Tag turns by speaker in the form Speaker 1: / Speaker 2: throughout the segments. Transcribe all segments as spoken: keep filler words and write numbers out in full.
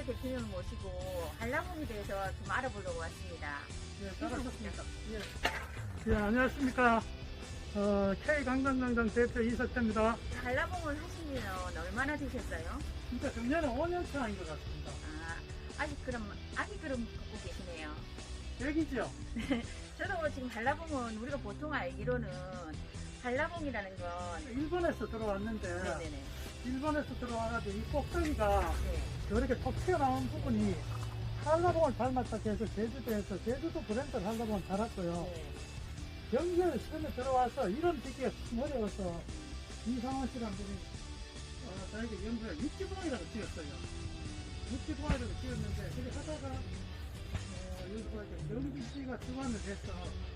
Speaker 1: 대표님을 모시고 한라봉에 대해서 좀 알아보려고 왔습니다.
Speaker 2: 예, 잘하셨습니다. 예. 예, 안녕하십니까. 어, K관광광장 대표 이석태입니다.
Speaker 1: 한라봉을 하신 지는 얼마나 되셨어요?
Speaker 2: 진짜 작년에 오 년 차인 것 같습니다.
Speaker 1: 아, 아직 그럼, 아직 그럼 갖고 계시네요.
Speaker 2: 여기죠?
Speaker 1: 저도 지금 한라봉은 우리가 보통 알기로는 한라봉이라는 건
Speaker 2: 일본에서 들어왔는데,
Speaker 1: 네네네.
Speaker 2: 일본에서 들어와가지고 이 꼭대기가
Speaker 1: 네.
Speaker 2: 이렇게 톡 튀어나온 부분이 한라봉을 닮았다고 해서 제주도에서 제주도 브랜드 한라봉을 달았고요.
Speaker 1: 네.
Speaker 2: 경기에 처음에 들어와서 이런 짓기가 참 어려워서 이상원 씨란 분이 어, 저에게 연구를 육지봉이라고 지었어요. 육지봉이라고 지었는데 그게 하다가 어, 여기서 이렇게 경주시가 주관을 해서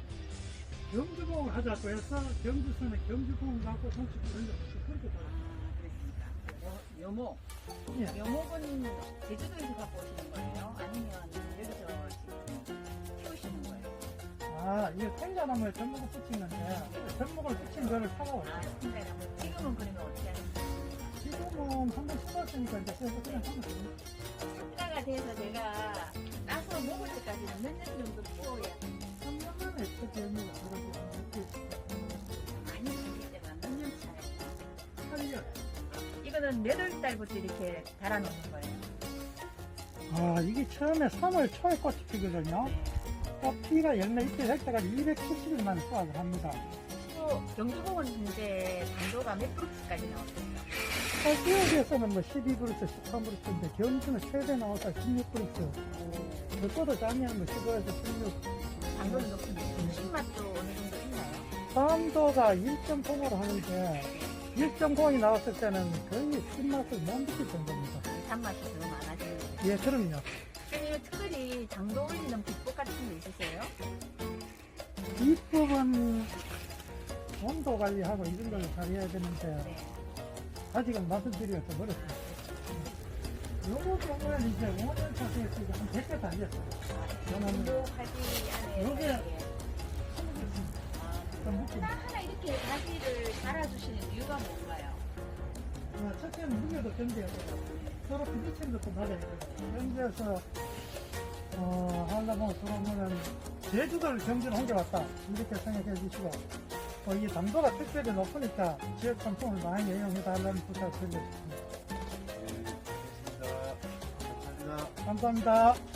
Speaker 2: 경주봉을 하자고 해서 경주선에 경주봉을 갖고 정식 브랜드를 그렇게 달았어요.
Speaker 1: 아, 그렇습니까? 어, 묘목.
Speaker 2: 예.
Speaker 1: 묘목은 제주도에서 갖고 오시는 거예요? 아니면 여기서 지금 키우시는 거예요?
Speaker 2: 아, 이게 생자나무에 전목을 붙인 건데 전목을 붙인 거를
Speaker 1: 아,
Speaker 2: 사가왔어요.
Speaker 1: 생각나면 지금은 그러면 어떻게 하는 거예요?
Speaker 2: 지금은 한번 심었으니까 이제 그래서 그냥 하면 됩니다.
Speaker 1: 식사가 돼서 제가 따서 먹을 때까지는 몇 년 정도 키워야
Speaker 2: 삼 년 만에 첫 열매가 들어오고
Speaker 1: 많이 키우기 때문에 몇 년 차예요?
Speaker 2: 팔 년.
Speaker 1: 이거는 몇 월 달부터 이렇게 달아놓는 거예요?
Speaker 2: 아, 이게 처음에 삼월 초에 꽃이 피거든요.
Speaker 1: 네.
Speaker 2: 꽃 피가 열매 잎이 될 때까지 이백칠십 일 만에 수확을 합니다.
Speaker 1: 또 경주봉은 현재 당도가 몇 프로까지 나오세요?
Speaker 2: 지역에서는 뭐 십이 브루스, 십삼 브루스인데 경주는 최대 나와서 십육 브루스. 그것도 작년 뭐 십오에서 십육.
Speaker 1: 당도는 높은데 신맛도 어느 정도 있나요?
Speaker 2: 당도가 일 점 공으로 하는데 일 점 공이 나왔을 때는 거의 신맛을 못 느낄 정도입니다.
Speaker 1: 단맛이 더 많아지는 거예요.
Speaker 2: 예, 그럼요.
Speaker 1: 선생님 특별히 당도 올리는 비법 같은 게 있으세요?
Speaker 2: 비법은 온도 관리하고 이런 걸 잘해야 되는데
Speaker 1: 네.
Speaker 2: 아직은 말씀드리기가 좀 어렵습니다. 요거 보면 이제 오 년 차에 지금 한 백 개 달렸어요.
Speaker 1: 당도 가지 안에
Speaker 2: 요게-
Speaker 1: 이렇게.
Speaker 2: 좀 묶임.
Speaker 1: 하나 이렇게 가지를 달아주시는 이유가 뭔가요?
Speaker 2: 어, 첫째는 무게도 견뎌야 되고 서로 부딪히는 것도 맞아야 되고 견뎌서 어, 하려고 들어오면은 제주도를 경주로 옮겨왔다 이렇게 생각해 주시고 어, 이 당도가 특별히 높으니까 지역 상품을 많이 이용해달라는 부탁을 드리겠습니다.
Speaker 3: 네, 알겠습니다. 감사합니다.
Speaker 2: 감사합니다.